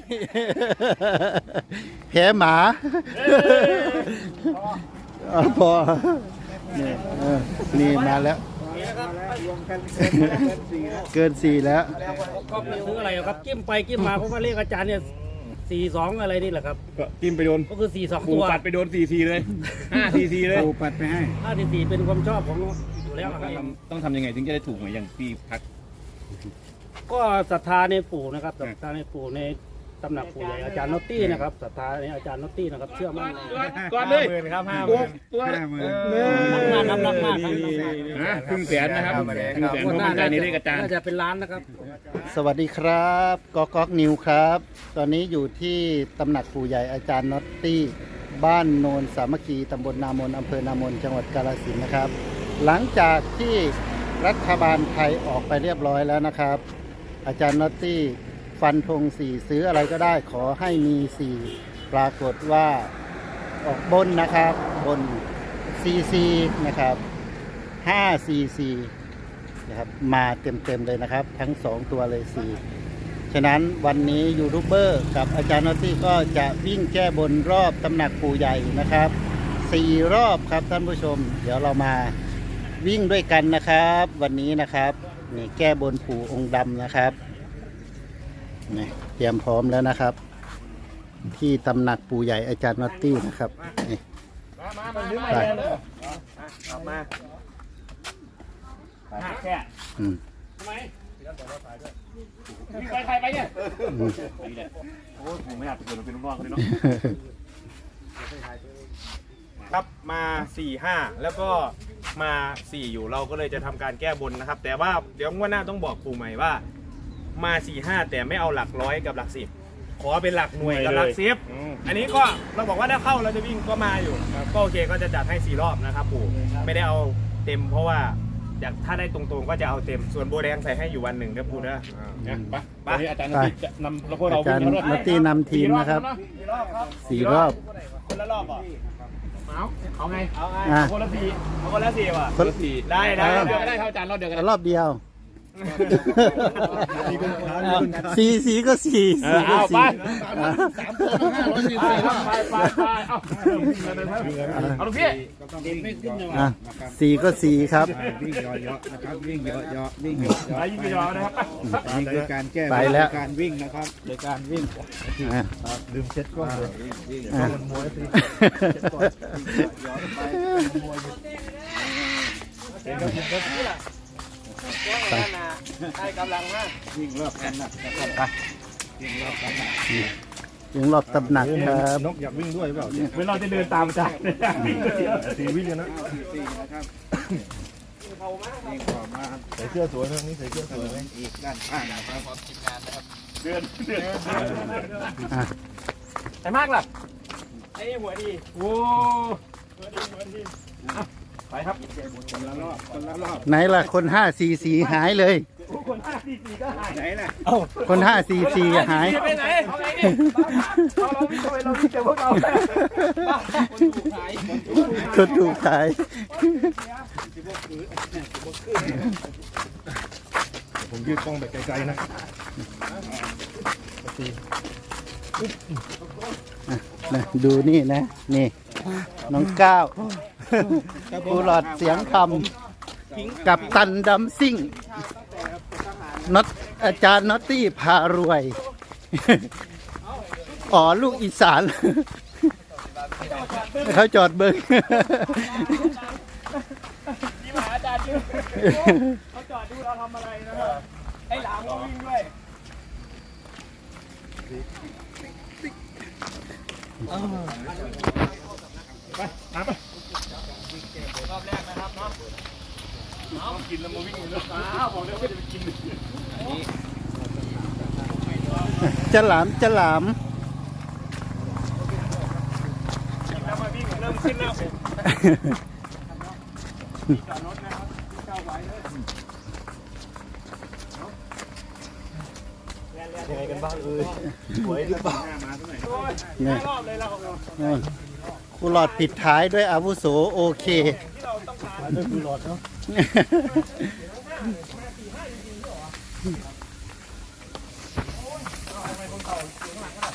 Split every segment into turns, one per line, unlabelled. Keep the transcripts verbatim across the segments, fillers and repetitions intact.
แผลหมาเอาพอนี่เออนี่มาแล้วเกินสี่แล้ว
ก็ไม่ซื้ออะไรครับกิ้มไปกิ้มมาเพราะว่าเลขอาจารย์เนี่ยสี่สองอะไรนี่แหละครับ
ก็จิ้มไปโดน
ก็คือสี่สอง
ปู
ตัว
ปัดไปโดนสี่ทีเลยห้าทีทีเลย
ปูปัดไปให้
ห้าสี่สี่เป็นความชอบของอยู่แล้วครับ
ต้องทำยังไงถึงจะได้ถูกเหมือนอย่างพี่พัก
ก็ศรัทธาในปู่นะครับศรัทธาในปู่ในตำหนักปู่ใหญ่อาจารย์นอตตี้นะครับศรัทธาในอาจารย์นอตตี้นะครับเชื่อมั่นใน
ก่อนเลย
ครับห้าห
ตัว
มื่น
ตัว
ห้าหมื่น
รักมากครับรักมากครับ
นะครึ่งแสนนะครับครึ่งแสนเพราะมั่นใจในเลขอาจารย์
น่าจะเป็นล้านนะครับ
สวัสดีครับก๊อกก๊อกนิวครับ ตอนนี้อยู่ที่ตำหนักปู่ใหญ่อาจารย์น็อตตี้บ้านโนนสามัคคีตำบลนามนอำเภอนามนจังหวัดกาฬสินธุ์นะครับ หลังจากที่รัฐบาลไทยออกไปเรียบร้อยแล้วนะครับ อาจารย์น็อตตี้ฟันธงสี่ซื้ออะไรก็ได้ขอให้มีสี่ปรากฏว่าออกบนนะครับบนซีซีนะครับห้าซีซีนะครับมาเต็มๆเลยนะครับ ทั้งสองตัวเลยสี่ฉะนั้นวันนี้ยูทูบเบอร์กับอาจารย์น็อตตี้ก็จะวิ่งแก้บนรอบตำหนักปู่ใหญ่นะครับสี่รอบครับท่านผู้ชม เดี๋ยวเรามาวิ่งด้วยกันนะครับ วันนี้นะครับนี่แก้บนปู่องค์ดำนะครับนี่เตรียมพร้อมแล้วนะครับ ที่ตำหนักปู่ใหญ่อาจารย์น็อตตี้นะครับนี่ไป
มาแค่
อืม
ทำไมมีใครใครไปเนี่ย
อืม
โอ้ยผมไม่อยากเกิดมาเป็นลูกน้องเลยเนาะครับมาสี่ห้าแล้วก็มาสี่อยู่เราก็เลยจะทำการแก้บนนะครับ แต่ว่าเดี๋ยวงวดหน้าต้องบอกปู่ใหม่ว่ามาสี่ห้าแต่ไม่เอาหลักร้อยกับหลักสิบขอเป็นหลักหน่วยกับหลักสิบอันนี้ก็เราบอกว่าถ้าเข้าเราจะวิ่งก็มาอยู่ก็โอเคก็จะจัดให้สี่รอบนะครับปู่ไม่ได้เอาเต็มเพราะว่าอยากถ้าได้ตรงๆก็จะเอาเต็มส่วนโบแดงใส่ให้อยู่วันหนึ่งนะปู่นะไปไปอาจารย์จะนำแล้วพวกเรา
อาจารย์น็อตตี้นำทีมนะครับสี่รอบ
คนละรอบเหรอเอาเอาไงเอาไง
อ่ะ
คนละสี่เอาคนละสี่ว่ะ
คนละสี่
ได้ได้เดียวก็ได้เท่าอาจารย์รอบเดียวกัน
รอบเดียวสี่สีก็สี่สี่ก็สี่
ไปไปไปเอาเอาลูกพี่
อ่ะสี่ก็สี่ครับ
วิ่งเยอะๆนะครับวิ่งเยอะๆวิ่งเยอะ
ไปยิงกระยอนะครับ
ๆนี่คือการแก้
ไปแล้ว
การวิ่งนะครับโดยการวิ่ง
อ่ะ
ลืมเช็ดกล้องเลย
อ่ะ ไป
ให้กำลังมาก
วิ่งรอบกันนะครับวิ่งรอบกันนะ
ถึงรอบตำหนักครับ
นกอยากวิ่งด้วยเปล่า
เหมือนเราจะเดินตามอาจารย์สี่วิ่งกันนะ
สี่นะครับวิ่งต่อมาใส่เสื้อสวยนะนี่ใส่เสื้อสวยอีกด้านข้างนะครับ
เดินเดิน
อ่ะ
ไอ้มากล่ะไอ้หัวดีโอ้หัวดีหัวดีไปครับ
คนละรอบคนละรอบ
ไหนล่ะคนห้าสี่สี่หายเลย
คนห้าสี่สี่ก็หาย
ไหนล่ะ
คนห้าสี่สี่หาย
ไปไหนเอาไงดิเราเราวิ่งไปเราวิ่งเจอพวกเราคนถูกขาย
คนถูกขาย
ผมยืดกล้องแบบไกลๆนะ
นะดูนี่นะ นี่ น้องก้าวผู้หลอดเสียงคำกับตันดำซิ่งน็อตอาจารย์น็อตตี้พารวย อ๋อ ลูกอีสาน เขาจอดเบิ้ง
นี่มาอาจารย์ดูเขาจอดดูเราทำอะไรนะครับไอ้หลามก็วิ่งด้วยไปตามไปรอบแรกนะครับเนาะเอากินแล้วมาวิ่งเลยอ้าวบอกเลยว่าจะไปกิน
จะหลามจะหลาม
กินแล้วมาวิ่งเริ่มขึ้นแล้วจอดรถนะครับเข้าไว้เลยยังไงกันบ้างเอ่ยสวยหรือเปล่ามาเท่าไหร่โอ้ย
เนี่ย
รอบเลยเรา
นี่ผู้หลอดปิดท้ายด้วยอาวุโสโอเค
ที่เราต้องการด้วยคือหลอดเนาะทำไมคนเก่าเสียงหลังขนาด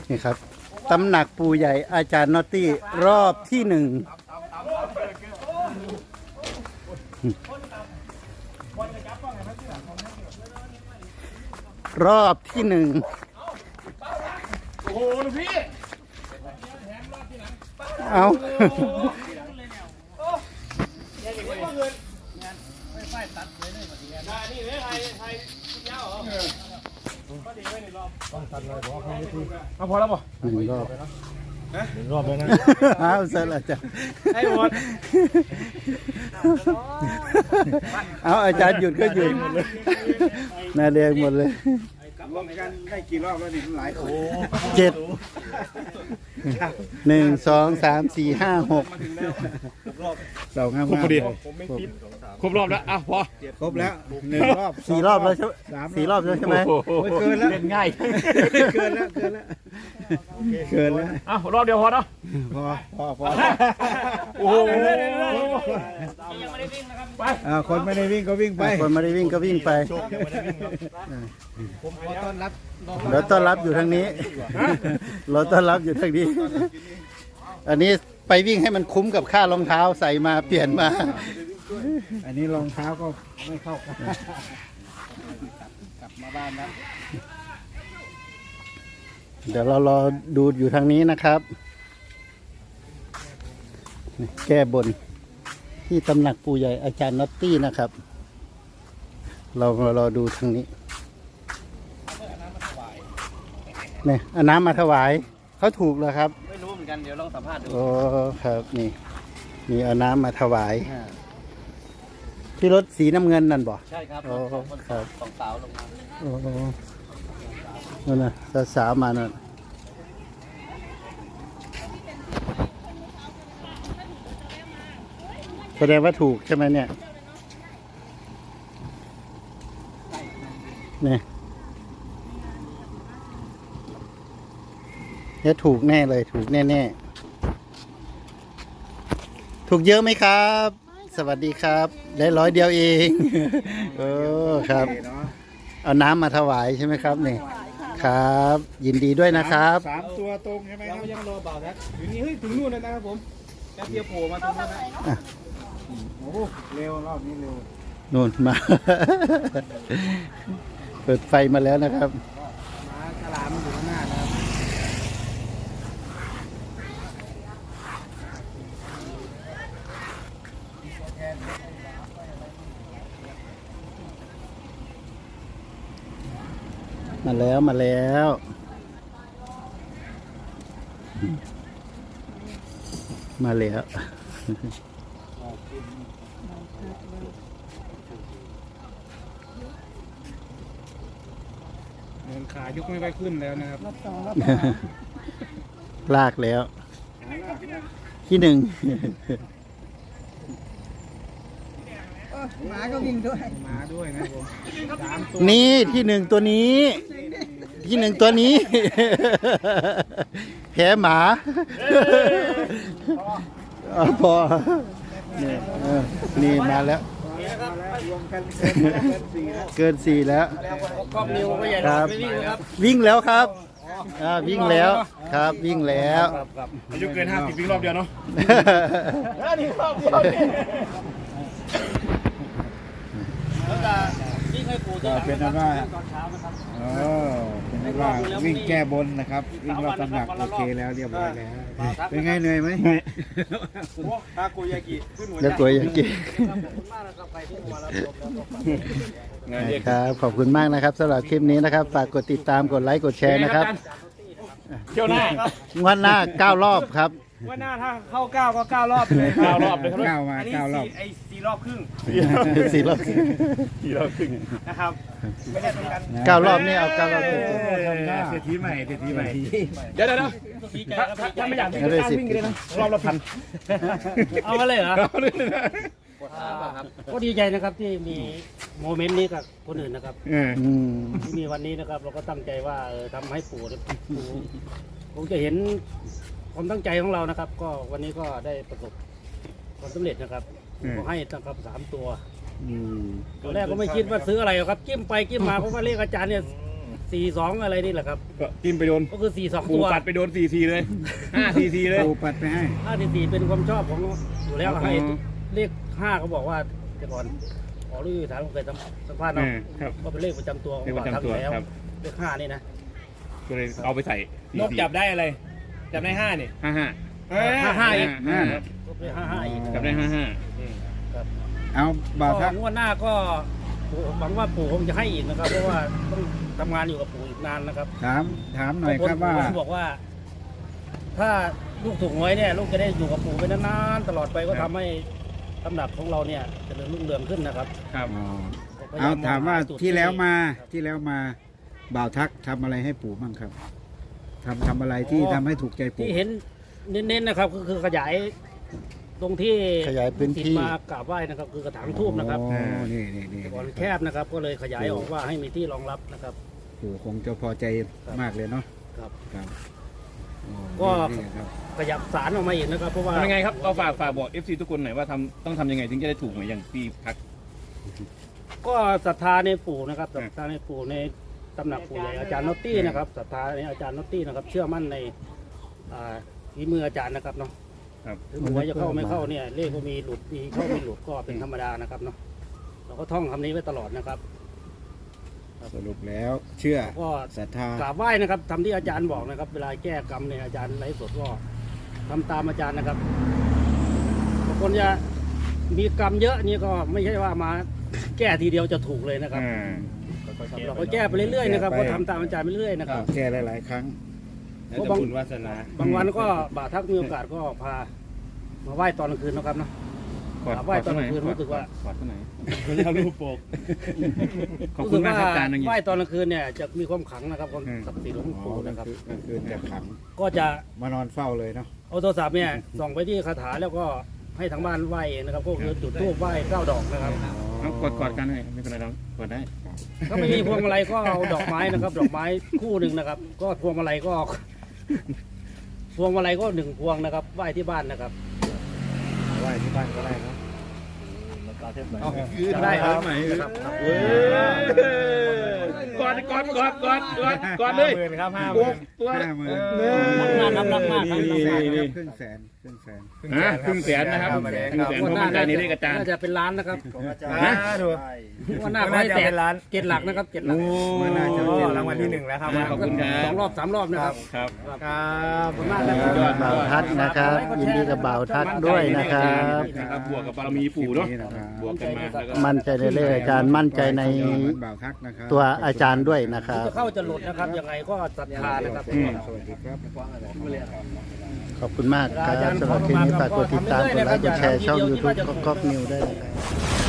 นี่ครับตำหนักปู่ใหญ่อาจารย์นอตตี้รอบที่หนึ่งรอบที่หนึ่งโอ้โหพี่เอา
เอาพอแล้วป่ะ
หนึ่งรอบ
หนึ่งรอบเลยนะ
อ้าวเสร็จแล้วจ้ะ
ให้หมด
เอาอาจารย์หยุดก็หยุดน่าเรียงหมดเลย
รวมกันได้กี่รอบแล้วนี่หลายคน
เจ็ดหนึ่งสองสามสี่ห้าหกสองห้า
ครบพอดี
ห้า
ครบรอบแล้วอ่ะพอ
ครบแล้วหนึ่งรอบ
สี่รอบแล้วใช่ไหมสี่รอบแล้วใช่ไหม
ไม่เกินแล้ว
เล่นง่าย
เกินแล้วเกินแล้วเกินแล้ว
อ่ะรอบเดียวพอเนาะ
พอพอพอ
โอ้โห
อ่าคนไม่ได้วิ่งก็วิ่งไป
คนไม่ได้วิ่งก็วิ่งไป
ผมขอต้อนรับ
เราต้อนรับอยู่ทางนี้ เราต้อนรับอยู่ทางนี้ อันนี้ไปวิ่งให้มันคุ้มกับค่ารองเท้าใส่มาเปลี่ยนมา
อันนี้รองเท้าก็ไม่เข้ากันกลับมาบ้านแล้ว
เดี๋ยวเรารอดูอยู่ทางนี้นะครับ แก้บนที่ตำหนักปู่ใหญ่อาจารย์น็อตตี้นะครับ เรามารอดูทางนี้เนี่ยเอาน้ำมาถวายเขาถูกแล้วครับ
ไม่รู้เหมือนกันเดี๋ยวลองสัมภาษณ์ดู
โอ้ครับนี่มีเอาน้ำมาถวาย ที่รถสีน้ำเงินนั่นบ่
ใช่ครับ
โอ้ครับ
สองสาวลงมา
โอ้นั่นนะสาวๆมานั่นแสดงว่าถูกใช่ไหมเนี่ยเนี่ยเนี่ยถูกแน่เลยถูกแน่ๆถูกเยอะไหมครับ สวัสดีครับ ได้ร้อยเดียวเองโอ้ครับ เอาน้ำมาถวายใช่ไหมครับนี่ครับ ยินดีด้วยนะครับ
สามตัวตรงใช่ไหมครับ
ยังรอเบาแท็กอยู่นี่เฮ้ยถึงนู่นแล้วนะครับผมแป๊บเดียวโผล่มาตรงนั้นนะ
โอ้โหเร็วรอบนี้เร็ว
นู่นมา เปิดไฟมาแล้วนะครับ
ม้าฉลามอยู่ข้างหน้านะครับ
มาแล้วมาแล้ว มาแล้ว
เดินขายกไม่ค่อยขึ้นแล้วนะครับ
ลากแล้ว ที่หนึ่ง
ม้าก็วิ่งด้วยม้าด้วยนะผมสามตัว
นี่ที่หนึ่งตัวนี้ ที่หนึ่งตัวนี้ แผลหมาเอาพอนี่เออนี่มาแล้ว
รวมกันเกินสี่แล้ว
เกินสี่แล้ว
กล้องนิวก็ใหญ่
ครับ
ไม่วิ่งนะครับ
วิ่งแล้วครับอ่าวิ่งแล้วครับวิ่งแล้ว
อายุเกินห้าสิบวิ่งรอบเดียวเนาะ
นี่รอบเดียวนี่แล้วก็ที่เคยปู่ที่
ก็เป็นนั้นว่า
ตอนเช้านะครับ
เออเป็นนั้นว่าวิ่งแก้บนนะครับ วิ่งรอบตำหนักโอเคแล้วเรียบร้อยแล้วเป็นไงเหนื่อยไหม
ทาโกยากิขึ้นหัวใจ
แล้วตัวอย่างกี้
ขอบคุณมากนะครับใครที่มารับชมแล้วก็ฝาก
งานเด็ก
ครับขอบคุณมากนะครับสำหรับคลิปนี้นะครับ ฝากกดติดตามกดไลค์กดแชร์นะครับ
เที่ยวหน้า
งวันหน้าเก้ารอบครับ
ว่าหน้าถ้าเข้าเก้าก็เก้ารอบเลยเก้ารอบเลยครับ
เก้ามา
อันนี้
เก้ารอบ
สี่ไอ้สี่รอบครึ่ง
สี่รอบ
สี่รอบครึ่งนะครับไม่ได้ตรงกัน
เก้ารอบนี่เอาเก้ารอบเต็ม
ทำหน้าเศรษฐีใหม่เศรษฐีใหม่
เดี๋ยวเดี๋ยวเดี๋ยวถ้าถ้าไม่อยากวิ่งก็ตั้งวิ่งกันเลยนะรอบละพัน
เอามาเลยเหรอ
เอาเลยนะ
ก็ดีใจนะครับที่มีโมเมนต์นี้กับคนอื่นนะครับ
เออ
อืม
ที่มีวันนี้นะครับ เราก็ตั้งใจว่าเออทำให้ปู่เนี่ยปู่คงจะเห็นความตั้งใจของเรานะครับ ก็วันนี้ก็ได้ประสบความสำเร็จนะครับก็ให้นะครับสามตัว
อืม
ตอนแรกก็ไม่คิดว่าซื้ออะไรหรอกครับจิ้มไปจิ้มมาเพราะว่าเลขอาจารย์เนี่ยสี่สองอะไรนี่แหละครับ
ก็จิ้มไปโดน
ก็คือสี่สอง
ปู
ตัว
ปัดไปโดนสี่ทีเลยห้าทีทีเลย
ปูปัดไปให้
ห้าสี่สี่เป็นความชอบของอยู่แล้ว
อ๋อ
ให้เลขห้าเขาบอกว่าแต่ก่อนขอรู้อยู่ฐานผมเคยสัมสัมภาษณ์เนาะ
อ่าครับ
ก็เป็นเลขประจำตัวของ
เลขประจำ
บ่าวทัก
ตัว
อยู่แล้ว
ครับ
เลขห้านี่นะ
ก็เลยเอาไปใส่
นกจับได้อะไร จับได้ห้านี่
ห้าห้า
ห้าห้าอีก
ห้า
ก็เป็นห้าห้าอีก
จับได้ห้าห้า
ครับ
เอาบ่าวทัก
ก็งวดหน้าก็ปู่หวังว่าปู่คงจะให้อีกนะครับ เพราะว่าต้องทำงานอยู่กับปู่อีกนานนะครับ
ถามถามหน่อยครับว่า
ปู่บอกว่า ถ้าลูกถูกหวยเนี่ย ลูกจะได้อยู่กับปู่ไปนานๆตลอดไปก็ทำให้ตำหนักของเราเนี่ยเจริญรุ่งเรืองขึ้นนะครับ
ครับ
อ๋อ
ก็พยย
เอาถามว่า
จุด
ที่แล้วมาที่แล้วมาบ่าวทักทำอะไรให้ปู่บ้างครับทำทำอะไรที่ทำให้ถูกใจปู่
ที่เห็นเน้นๆนะครับก็คือขยายตรงที่
ขยายพื้นที่
ศิษย์มากราบไหว้นะครับ คือกระถางทูบนะครับ
อ๋อนี่นี่นี่
แต่ก่อนแคบนะครับ ก็เลยขยายออกว่าให้มีที่รองรับนะครับ
ปู่คงจะพอใจมากเลยเนาะ
ครับ
ครับอ๋อ
ก็
นี่ครับ
ขยับสารออกมาอีกนะครับ เพราะว่า
ทำยังไงครับเอาฝากฝากบอก เอฟ ซี ทุกคนหน่อยว่าทำต้องทำยังไงถึงจะได้ถูกเหมือนอย่างพี่พัก
ก็ศรัทธาในปู่นะครับศรัทธาในปู่ในตำหนักปู่ใหญ่อาจารย์นอตตี้นะครับศรัทธาในอาจารย์นอตตี้นะครับ เชื่อมั่นในอ่าฝีมืออาจารย์นะครับเนาะ
ครับ
ถึงหวยจะเข้าไม่เข้าเนี่ยเลขก็มีหลุดมีเข้าไม่หลุดก็เป็นธรรมดานะครับเนาะเราก็ท่องคำนี้ไว้ตลอดนะครับ
สรุปแล้วเชื่อ
ก็
ศรัทธาก
ราบไหว้นะครับทำที่อาจารย์บอกนะครับ เวลาแก้กรรมเนี่ยอาจารย์ไลฟ์สดก็ทำตามอาจารย์นะครับบางคนจะมีกรรมเยอะนี่ก็ไม่ใช่ว่ามาแก้ทีเดียวจะถูกเลยนะครับ
อ่า
ครับเราก็แก้ไปเรื่อยๆนะครับก็ทำตามอาจารย์ไปเรื่อยๆนะครับ
แก้หลายๆครั้ง
แล้วแต่บุญวาสนา
บางวันก็บ่าวทักมีโอกาสก็พามาไหว้ตอนกลางคืนนะครับเนาะ
กอด
ไหว้ตอนกลางคืนรู้สึกว่า
กอดเท่าไหร่ไม่ได้เอารูปโปกขอบคุณมากครับอาจารย์
ไหว้ตอนกลางคืนเนี่ยจะมีความขลังนะครับความ
อืม
ศักดิ์สิทธิ์ของ
อ๋อ
ปู่
กลาง
นะครับ
คืนกลางคืนจะขัง
ก็จะ
มานอนเฝ้าเลยเนาะ
เอาโทรศัพท์เนี่ยส่องไปที่คาถาแล้วก็ให้ทางบ้านไหว้เองนะครับก็คือจุดธูปไหว้เก้าดอกนะครับ
เอากอดกอดกันเลยไม่เป็นไรเรากอดได้
ถ้าไม่มีพวงมาลัยก็เอาดอกไม้นะครับ ดอกไม้คู่หนึ่งนะครับ ก็พวงมาลัยก็ พวงมาลัยก็หนึ่งพวงนะครับไหว้ที่บ้านนะครับ
ไหว้ที่บ้านก็ได้เนาะ
จะได้ครับ
กอดกอดกอดกอดกอดกอดเลย
หมื่นครับห้าห
ตัว
มื่น
ตัว
ห้าหมื่น
รักมากครับรักมากครับ
ครึ่งแสนครึ่งแสน
ฮะครึ่งแสนนะครับครึ่งแสนเพราะมั่นใจในเลขอาจารย์
น่าจะเป็นล้านนะครับ
ฮะ
ดู
วันหน้าขอให้แตกเจ็ดหลักนะครับเจ็ดหลัก
โอ้
รางวัลที่หนึ่งแล้วครับ
ขอบคุณครับ
สองรอบสามรอบนะครับ
ครับ
ครับ
ขอบคุณมากนะครับ
ยอด
บ่าวทักนะครับ ยินดีกับบ่าวทักด้วยนะครับ
นะครับบวกกับบารมีปู่เนาะ
นี่นะครับ
บวกกันมาแล้วก็
มั่นใจในเลขอาจารย์มั่นใจใน
บ่าวทักนะครับ
ตัวอาจารย์ด้วยนะครับ
จะเข้าจะหลุดนะครับยังไงก็ศรัทธานะครับ
อืม สวัสดีครับ ขอบคุณมากครับสำหรับคลิปนี้ฝากกดติดตามกดไลค์กดแชร์ช่อง YouTube ก๊อกก๊อกนิวด้วยนะครับ